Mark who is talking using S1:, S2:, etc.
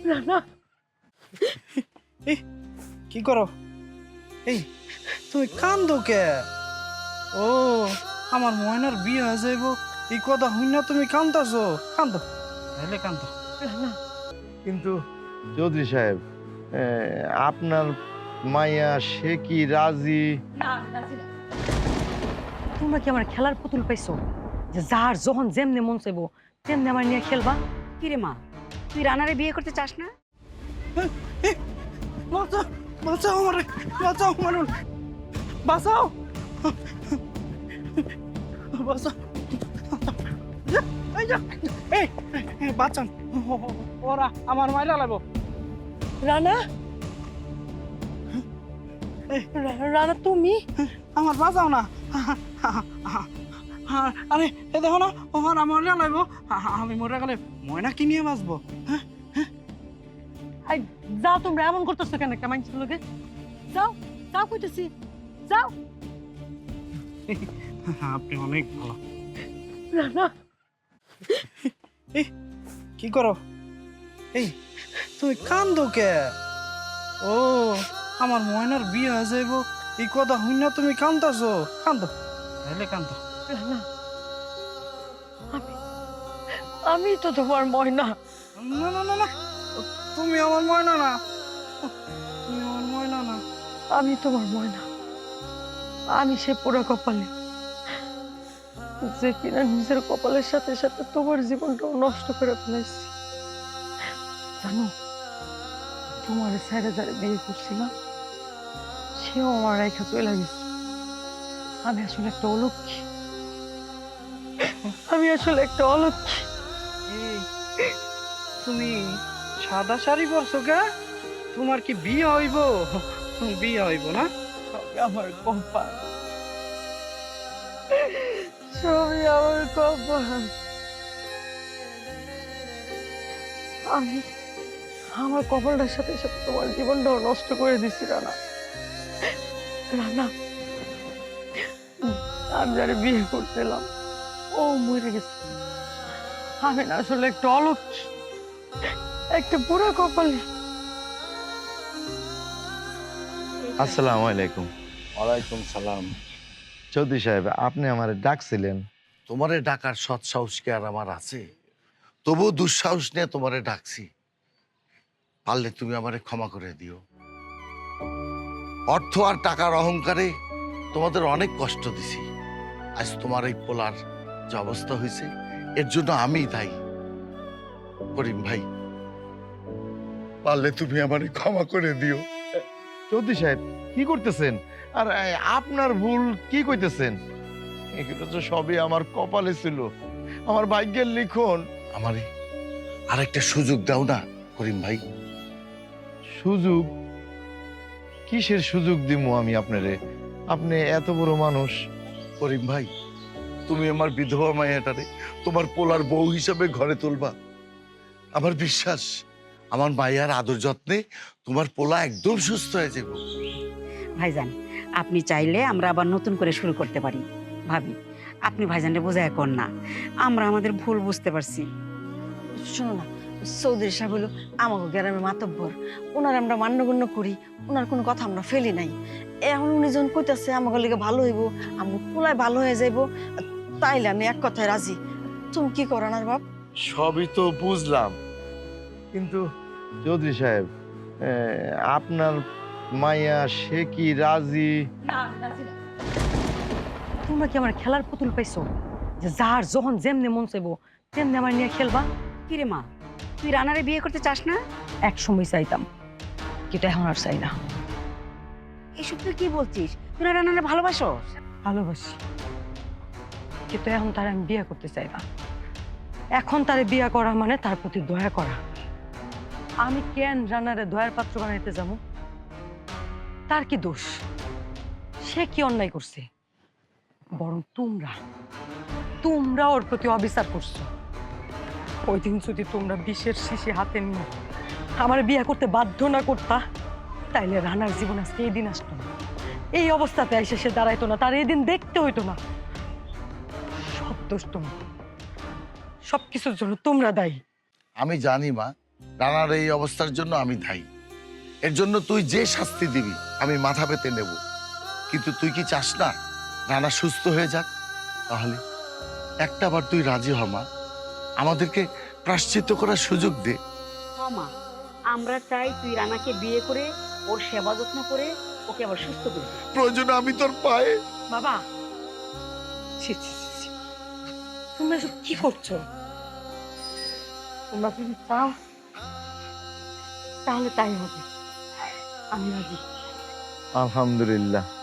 S1: রানা
S2: এই কি করো? এই তুমি কান্দো কে? ও আমার ময়নার বিয়ে হয়ে যাইব এই কথা হই না, তুমি কান্দাছো? কান্দো তাহলে কান্দো।
S1: রানা
S3: কিন্তু চৌধুরী সাহেব, আপনার মাইয়া সে কি রাজি?
S1: না রাজি না। তোমরা কি আমার খেলার পুতুল পাইছো যে যার যখন যেমনে মন চাইবো তেমনি আমার নিয়ে খেলবা?
S4: কি রে মা, তুই রানারে বিয়ে করতে চাস না?
S2: বাঁচাও বাঁচাও আমারে, বাঁচাও মানুষ, বাঁচাও বাঁচাও। এই যা, এই বাঁচান, ওরা আমার মাইরা লাগবো।
S1: রানা রানা তুমি
S2: আমার বাঁচাও না। আরে এ দেখো না, ওর আমার লাগবো। আমি মরে গেলে ময়না কি নিয়ে বাঁচবো?
S1: আই যাও, তোমরা এমন করতেছো কেন? কেমন ছিল লোকে? যাও যাও কইতেছি, যাও।
S2: আপনি অনেক ভালো।
S1: রানা
S2: এই কি করো? এই তুমি কান্দো কে? ও আমার ময়নার বিয়ে হয়ে যাইব এই কথা হই না, তুমি কান্দাছো? কান্দো তাহলে কান্দো।
S1: রানা আমি তো তোমার ময়না।
S2: না না না না, তুমি আমার ময়না না, তুমি আমার ময়না না।
S1: আমি তোমার ময়না। আমি সে পোড়া কপালে যে কিনা নিজের কপালের সাথে সাথে তোমার জীবনটাও নষ্ট করে ফেলাইছি। জানো, তোমার ছেড়ে যারে বিয়ে করছিলাম সেও আমার রেখা চলে গেছে। আমি আসলে একটা অলক্ষী, আমি আসলে একটা অলক্ষী।
S2: এই তুমি সাদা শাড়ি পরছো কে? তোমার কি বিয়ে হইব? বিয়ে হইব না?
S1: সবই আমার কপাল, সবই আমার কপাল। আমি আমার কপালটার সাথে সাথে তোমার জীবনটাও নষ্ট করে দিছি রানা। রানা আমি যারা বিয়ে করতেলাম ও মরে গেছে। আমি না আসলে একটা অলক্ষী, একটা বুড়া কপালে।
S3: আসসালামু আলাইকুম।
S5: ওয়ালাইকুম সালাম।
S3: চৌধুরী সাহেব, আপনি আমার ডাকছিলেন?
S5: তোমারে ডাকার সৎ সাহস কি আর আমার আছে? তবুও দুঃসাহস নিয়ে তোমারে ডাকছি। পারলে তুমি আমারে ক্ষমা করে দিও। অর্থ আর টাকার অহংকারে তোমাদের অনেক কষ্ট দিছি। আজ তোমার এই পোলার যে অবস্থা হয়েছে এর জন্য আমিই দায়ী। করিম ভাই, পারলে তুমি আমারে ক্ষমা করে দিও।
S3: চৌধুরী সাহেব কি করতেছেন? আর আপনার ভুল কি কইতেছেন? এগুলো তো সবই আমার কপালে ছিল, আমার ভাগ্যের লিখন।
S5: আমারে আরেকটা সুযোগ দাও না করিম ভাই।
S3: সুযোগ? কিসের সুযোগ দিমু আমি আপনারে? আপনি এত বড় মানুষ।
S5: করিম ভাই, তুমি আমার বিধবা মায়াটারে তোমার পোলার বউ হিসাবে ঘরে তুলবা। আমার বিশ্বাস আমার মায়ের আদর যত্নে তোমার পোলা একদম সুস্থ হয়ে যাবে।
S4: ভাইজান, আপনি চাইলে আমরা আবার নতুন করে শুরু করতে পারি। ভাবি, আপনি ভাইজানকে বোঝায় কর না, আমরা আমাদের ভুল বুঝতে পারছি।
S1: শোনো না, চৌধুরী সাহেব হলো আমাকে গ্রামের মাতব্বর, ওনার আমরা মান্যগণ্য করি, ওনার কোনো কথা আমরা ফেলি নাই। এখন উনি যখন কইতাছে আমাকে লিগে ভালো হইব, আমাকে পোলায় ভালো হয়ে যাইব, তাইলে আমি এক কথায় রাজি। তুমি কি করো না বাপ?
S3: সবই তো বুঝলাম, কিন্তু চৌধুরী সাহেব, আপনার মাইয়া সে কি রাজি?
S1: তোমরা কি আমার খেলার পুতুল পাইছো যে যার যখন যেমনে মন চাইবো তেমনি আমার নিয়ে খেলবা?
S4: কি রে মা, তুই রানারে বিয়ে করতে চাস না?
S1: এক সময় চাইতাম, কিন্তু এখন আর চাই না।
S4: এসব তুই কি বলছিস? তুই না রানারে ভালোবাসো?
S1: ভালোবাসি, কিন্তু এখন তার আমি বিয়ে করতে চাই না। এখন তারে বিয়ে করা মানে তার প্রতি দয়া করা। আমি কেন রানারে দয়ার পাত্র বানাইতে যাবো? তার কি দোষ? সে কি অন্যায় করছে? বরং তোমরা ওর প্রতি অবিচার করছো। ওই দিন যদি তোমরা বিষের শিশি হাতে নিয়ে আমার বিয়ে করতে বাধ্য না করতা, তাইলে রানার জীবন আজকে এই দিন আসতো না, এই অবস্থাতে এসে সে দাঁড়াইতো না, তার এই দিন দেখতে হইতো না। সব দোষ তোমার, সবকিছুর জন্য তোমরা দায়ী।
S5: আমি জানি মা, রানার এই অবস্থার জন্য আমি দায়ী। এর জন্য তুই যে শাস্তি দিবি আমি মাথা পেতে নেব, কিন্তু তুই কি চাস না রানা সুস্থ হয়ে যাক? তাহলে একটা বার তুই রাজি হ মা, আমাদেরকে প্রায়শ্চিত্ত করার সুযোগ দে।
S4: মা, আমরা চাই তুই রানাকে বিয়ে করে ওর সেবা যত্ন করে ওকে আবার সুস্থ করবি।
S5: প্রয়োজনে আমি তোর পায়ে।
S1: বাবা, ছি ছি ছি ছি। তোমরা এসব কি করছো? তোমরা যদি চাও তাহলে তাই হবে, আমি রাজি।
S3: আলহামদুলিল্লাহ,